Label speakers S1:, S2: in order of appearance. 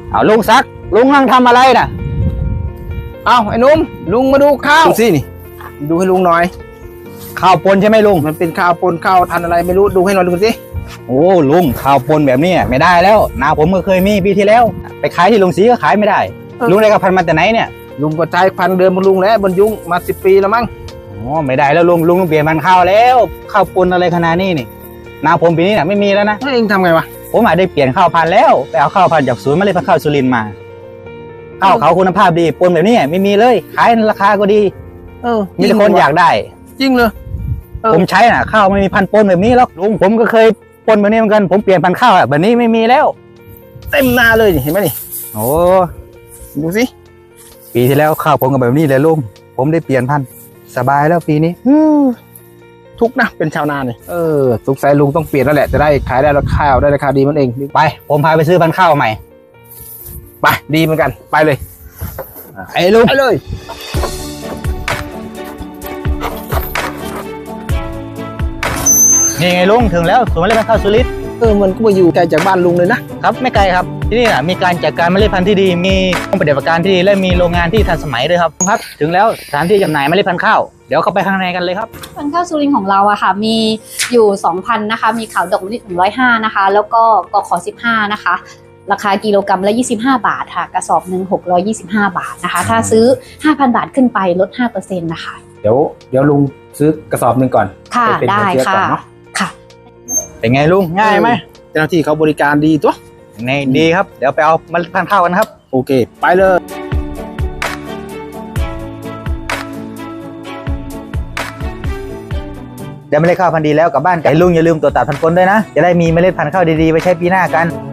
S1: เอาลุงซักลุงนั่งทำอะไรน่ะ
S2: เอาไอ้นุ่มลุงมาดูข้าวดูสินี่ดูให้ลุงหน่อย
S1: ข้าวปนใช่ไหมลุง
S2: มันเป็นข้าวปนข้าวทันอะไรไม่รู้ดูให้หน่อยดูสิ
S1: โอ้ลุงข้าวปนแบบนี้ไม่ได้แล้วนาผมก็เคยมีปีที่แล้วไปขายที่ลุงศรีก็ขายไม่ได้ลุงได้กับพันมาแต่ไหนเนี่ย
S2: ลุงก็ใช้พันเดิมมาลุงแล้วบรรยุงมา10 ปีแล้วมั้ง
S1: อ๋อไม่ได้แล้วลุงต้องเปลี่ยนพันธุ์ข้าวแล้วข้าวปนอะไรขนาดนี้นี่นาผมปีนี้น่ะไม่มีแล้วนะ
S2: เองทำไงวะ
S1: ผมอาจได้เปลี่ยนข้าวพันธุ์แล้วไปเอาข้าวพันธุ์จากศูนย์เมล็ดพันธุ์ข้าวสุรินทร์มาข้าวเขาคุณภาพดีปนแบบนี้ไม่มีเลยขายราคาก็ดีมีแต่คนอยากได้
S2: จริงเลย
S1: ผมใช้น่ะข้าวไม่มีพันธุ์ปนแบบนี้แล้วลุงผมก็เคยปนแบบนี้เหมือนกันผมเปลี่ยนพันธุ์ข้าวแบบนี้ไม่มีแล้ว
S2: เต็มนาเลยเห็นไหมนี่
S1: โอ้
S2: ดูสิ
S1: ปีที่แล้วข้าวผมก็แบบนี้เลยลุงผมได้เปลี่ยนพันธุ์สบายแล้วปีนี้
S2: ทุกนะเป็นชาวนาเนี่ยสงสัยลุงต้องเปลี่ยนแล้วแหละจะได้ขายได้ราคาได้ราคาดีมันเอง
S1: ไปผมพาไปซื้อพันธุ์ข้าวใหม่
S2: ไปดีเหมือนกันไปเลย
S1: ไอ้ลุง
S2: ไปเลย
S1: นี่ไงลุงถึงแล้วสวนเมล็ดพันธุ์ข้าวสุรินทร์
S2: มันก็มาอยู่ไกลจากบ้านลุงเลยนะครับ
S1: ไม่ไกลครับที่นี่มีการจัดการเมล็ดพันธุ์ที่ดีมีห้องปฏิบัติการที่ดีและมีโรงงานที่ทันสมัยด้วยครับถึงแล้วสถานที่จำหน่ายเมล็ดพันธุ์ข้าวเดี๋ยวเข้าไปข้างในกันเลยครับ
S3: พันธุ์ข้าวสุรินทร์ของเราอะค่ะมีอยู่2,000นะคะมีขาวดอกมะลิ105นะคะแล้วก็กข15นะคะราคากิโลกรัมละ25 บาทค่ะกระสอบหนึ่ง625 บาทนะคะถ้าซื้อ 5,000 บาทขึ้นไปลด 5% นะคะ
S2: เดี๋ยวลุงซื้อกระสอบหนึ่งก่อน
S3: ค่ะได้ค่ะ
S1: เป็นไงลุงง่ายไหม
S2: เจ้าหน้าที่เขาบริการดีตัว
S1: ในดีครับเดี๋ยวไปเอาเมล็ดพันธุ์ข้าวกันครับ
S2: โอเคไปเลย
S1: ได้เมล็ดข้าวพันธุ์ดีแล้วกลับบ้านกันลุงอย่าลืมตรวจตัดพันธุ์ปนด้วยนะจะได้มีเมล็ดพันธุ์ข้าวดีๆไว้ใช้ปีหน้ากัน